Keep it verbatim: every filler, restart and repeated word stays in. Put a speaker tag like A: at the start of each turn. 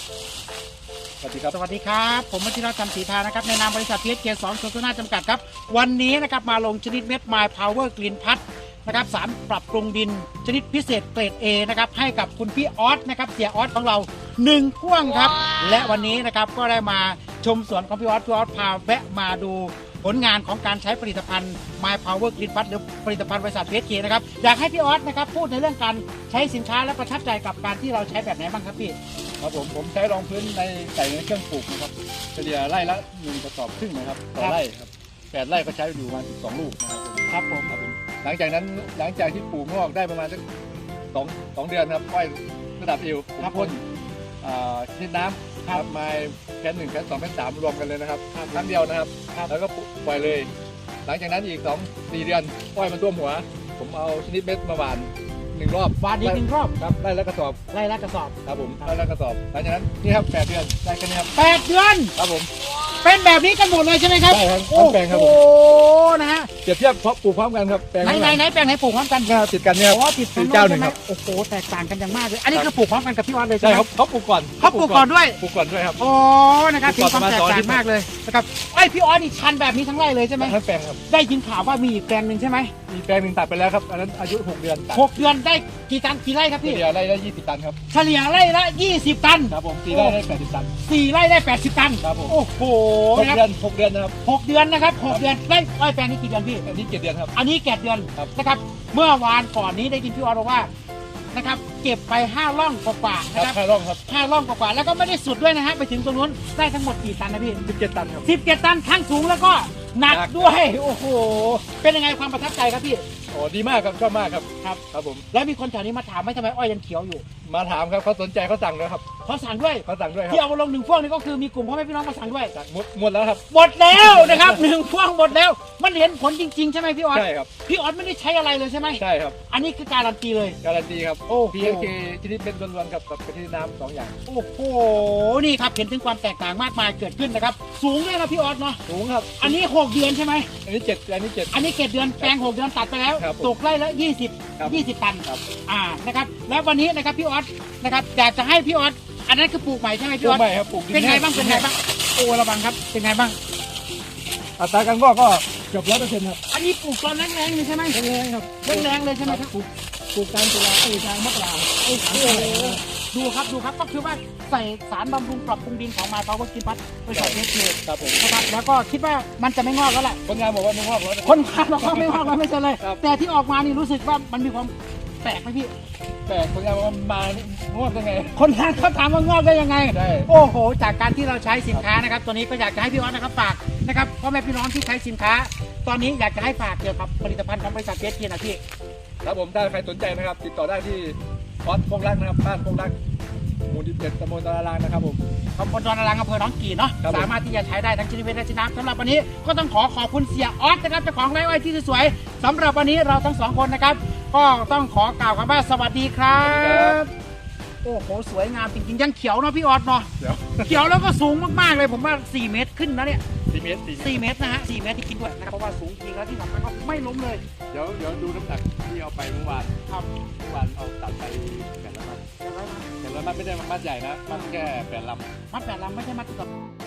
A: สวัสดีครับ
B: สวัสดีครับผมมัชิรธรรมศรีทานะครับในนามบริษัท พี เอส เค สอง โซลูชันจำกัดครับวันนี้นะครับมาลงชนิดเม็ด My Power Green Plus นะครับสารปรับปรุงดินชนิดพิเศษเกรด A นะครับให้กับคุณพี่ออสนะครับเสียออสของเราหนึ่งพ่วงครับและวันนี้นะครับก็ได้มาชมสวนของพี่ออสพี่ออสพาแวะมาดูผลงานของการใช้ผลิตภัณฑ์ My Power Green Plus หรือผลิตภัณฑ์บริษัท พี เอส เค นะครับอยากให้พี่ออสนะครับพูดในเรื่องการใช้สินค้าและประทับใจกับการที่เราใช้แบบไหนบ้างครับพี่
A: ครับผมผมใช้รองพื้นในใส่ในเครื่องปลูกนะครับเฉลี่ยไร่ละหนึ่งกระสอบครึ่งนะครับต่อไร่ครับแปดไร่ก็ใช้อยู่ประมาณสิบสองลูกนะครับ
B: ครับผม
A: ครับผมหลังจากนั้นหลังจากที่ปลูกงอกได้ประมาณสักสองสองเดือนครับอ้อยระดับเอวผมพ่นชนิดน้ำครับมาแค่หนึ่งแค่สองแค่สามรวมกันเลยนะครับครั้งเดียวนะครับแล้วก็ปล่อยเลย หลังจากนั้นอีกสองสี่เดือนอ้อยมันท่วมหัวผมเอาชนิดเม็ดมาหว่านหนึ่งรอบ
B: หว่านอีกหนึ่งรอบ
A: ครับไร่ละกระสอบ
B: ไร่ละกระสอบ
A: ครับผมไร่ละกระสอบหลังจากนั้นนี่ครับแปดเดือนได้แค่นี้ครับ
B: แปดเดือน
A: ครับผม
B: เป็นแบบนี้กันหมดเลยใช่ไหมครับ
A: ใช่ครับทั้งแปลงครับผม
B: โอ้นะฮะ
A: เปรียบเทียบเพราะปลูกพร้อมกันครับแปลง
B: ไหนไหนไหนแปลงไหนปลูกพร้อมกัน
A: ติดกันเนี่ย
B: อ๋อติด
A: เจ้าหนึ่งครับ
B: โอ้โหแตกต่างกันอย่างมากเลยอันนี้คือปลูกพร้อมกันกับพี่ออสเลยใช่
A: ใช่
B: ไหม
A: ครับเขาปลูกก่อน
B: เขาปลูกก่อนด้วย
A: ปลูกก่อนด้วยครับ
B: โอ้นะครับมีความแตกต่างมากเลยนะครับไอพี่ออสนี่ชันแบบนี้ทั้งไร่เลยใช่ไหม
A: ทั้งแปลงครับ
B: ได้ยินข่าวว่ามีอีกแปลงหนึ่งใช่ไหม
A: มีแปลงหนึ่งตัดไปแล้วครับอันนั้นอายุหกเดือน
B: หกเดือนได้กี่ตันกี่ไร่ครับพี่
A: เฉลี่ยไร่ละยี่สิบตันครับ
B: เฉลี่ยไร่ละยี่สิบตัน
A: ครับผมสี่ไร่ได้แปดสิบตัน
B: สี่ไร่ได้แปดสิบตัน
A: ครับผม
B: โอ้โห
A: หกเดือนหกเดือนนะครับ
B: หกเดือนนะครับหกเดือนได้อ้อยแปลงนี้กี่เดือนพี่
A: อันนี้เจ็ดเดือนครับ
B: อันนี้เจ็ดเดือนนะครับเมื่อวานก่อนนี้ได้ยินพี่ออสบอกว่านะครับเก็บไปห้าร่องกว่าๆนะครับ
A: ห้าร่องครับ
B: ห้าร่องกว่าๆแล้วก็ไม่ได้สุดด้วยนะฮะไปถึงตรงนู้นได้ทั้งหมดกี่ตันนะพี่
A: สิบเจ็ดตันครับ
B: สิบเจ็ดตันทั้งสูงแล้วก็หนักด้วยโอ้โหเป็นยังไงความประทับใจครับพี่
A: โอ้ดีมากครับชอบมากครับ
B: ครับ
A: ครับผม
B: แล้วมีคนแถวนี้มาถามไหมทำไมอ้อยยังเขียวอยู่
A: มาถามครับเขาสนใจเขาสั่งด้วยครับ
B: เขาสั่งด้วย
A: เขาสั่งด้วยครับ
B: ที่เอามาลงหนึ่งพ่วงนี่ก็คือมีกลุ่มพ่อแม่พี่น้องมาสั่งด้วย
A: หมดหมดแล้วครับ
B: หมดแล้วนะครับหนึ่งพ่วงหมดแล้วมันเห็นผลจริงๆใช่ไหมพี่ออส
A: ใช่ครับ
B: พี่ออสไม่ได้ใช้อะไรเลยใช่ไหม
A: ใช่ครับ
B: อันนี้คือการันตีเลย
A: การันตีครับ
B: โอ้
A: พี เอส เค ชนิดเป็นล้วนๆกับกับชนิดน้ำสองอย่าง
B: โอ้โหนี่ครับเห็นถึงความแตกต่างมากมายเกิดขึ้นนะครับสูงเลยนะพี่ออสเนาะ
A: สูงครับ
B: อันนี้หกเดือนใช่ไหม
A: อันนี้เจ็ดอันนี้เจ็ด
B: อันนี้เจ็ดเดือนแปลงหกเดือนตัดไปแล้วตกไร่ละยี่สิบยี่สิบตันอ่านะครับแล้ววันนี้นะครับพี่ออสนะครับอยากจะให้พี่ออสอันนั้นคือปลูกใหม่ใช่ไหมพี่ออส
A: ปลูกใหม่ครับปลูก
B: เป็นไงบ้างเป็นไงบ้างโอ้ระวังครับเป็นไงบ้าง
A: อัตราการงอกก็เกือบร้อยเปอร์เซ็นต์ครับ
B: อันนี้ปลูกตอนแรงๆเลยใช่ไหม
A: แรงครับ
B: แรงเลยใช่ไหมครับ
A: ปลูกปลูกกลางตุลาเอ้ยกลางมกรา
B: โอ้โหดูครับดูครับก็คือว่าใส่สารบำรุงปรับปรุงดินของมาเขาก็กินพัดไปใส่เทสเลย
A: ครับผม
B: นะครับแล้วก็คิดว่ามันจะไม่งอกแล้วแหละ
A: คนงานบอกว่าไม่งอกแล้ว
B: คนงานบอกว่าไม่งอกแล้วไม่ใช่เลยแต่ที่ออกมานี่รู้สึกว่ามันมีความแปลกไหมพี่
A: แปลกคนงานบอกว่ามา งอกได้ไง
B: คนงานเขาถามว่างอกได้ยังไง
A: ใช่
B: โอ้โหจากการที่เราใช้สินค้านะครับตัวนี้ก็อยากจะให้พี่ออสนะครับฝากนะครับพ่อแม่พี่น้องที่ใช้สินค้าตอนนี้อยากจะให้ฝากเกี่ยวกับผลิตภัณฑ์ของบริษัทเอสพีนะพี่
A: ครับผมถ้าใครสนใจนะครับติดต่อได้ที่ออสพงรักนะครับบ้านพงรักหมู่ที่เจ็ดตำบลตะลางนะครับผม
B: ตำบลตะลางอำเภอหนองกี่เนาะสามารถที่จะใช้ได้ทั้งชนิดเม็ดและชนิดน้ำสำหรับวันนี้ก็ต้องขอขอบคุณเสียออสนะครับเจ้าของไร่อ้อยที่สวยๆสำหรับวันนี้เราทั้งสองคนนะครับก็ต้องขอกล่าวคำว่าสวัสดีครับโอ้โหสวยงามจริงๆยังเขียวเนาะพี่ออสเนาะเขียวแล้วก็สูงมากๆเลยผมว่าสี่เมตรขึ้นนะเนี่ย
A: สี่เมตร
B: สี่เมตรนะฮะสี่เมตรที่กินด้วยนะครับเพราะว่าสูงจริงแล้วที่สำคัญก็ไม่ล้มเลย
A: เดี๋ยวเดี๋ยวดูน้ำหนักที่เอาไปเมื่อวาน
B: ครับ
A: เมื่อวานเอาตัดไปแปดลำแปดลำไม่ได้มัดใหญ่นะมัดแค่แปดลำ
B: มัดแปดลำไม่ใช่มัดกับ